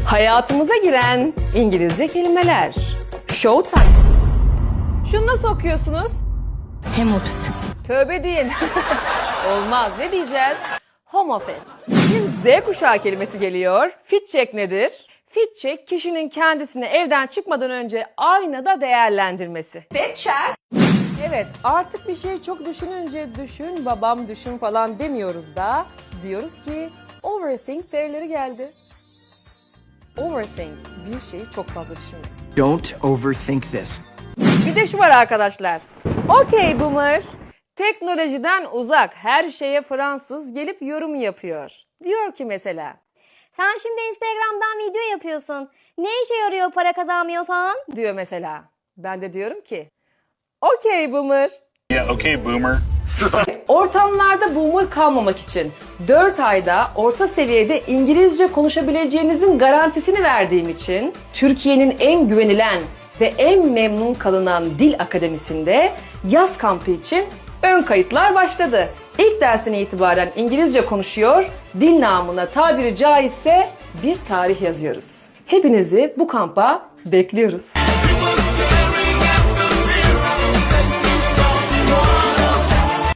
Hayatımıza giren İngilizce kelimeler. Showtime. Şunu nasıl okuyorsunuz? Hem ofisi. Tövbe deyin. Olmaz. Ne diyeceğiz? Home office. Şimdi Z kuşağı kelimesi geliyor. Fit check nedir? Fit check kişinin kendisini evden çıkmadan önce aynada değerlendirmesi. Fit check. Evet, artık bir şey çok düşününce düşün babam düşün falan demiyoruz da diyoruz ki overthink verileri geldi. Overthink, bir şeyi çok fazla düşünmek. Don't overthink this. Bir de şu var arkadaşlar. Okey boomer. Teknolojiden uzak her şeye Fransız gelip yorum yapıyor. Diyor ki mesela. Sen şimdi Instagram'dan video yapıyorsun. Ne işe yarıyor para kazanmıyorsan? Diyor mesela. Ben de diyorum ki. Okey boomer. Yeah, okay, boomer. Ortamlarda boomer kalmamak için 4 ayda orta seviyede İngilizce konuşabileceğinizin garantisini verdiğim için Türkiye'nin en güvenilen ve en memnun kalınan dil akademisinde yaz kampı için ön kayıtlar başladı. İlk dersten itibaren İngilizce konuşuyor, dil namına tabiri caizse bir tarih yazıyoruz. Hepinizi bu kampa bekliyoruz.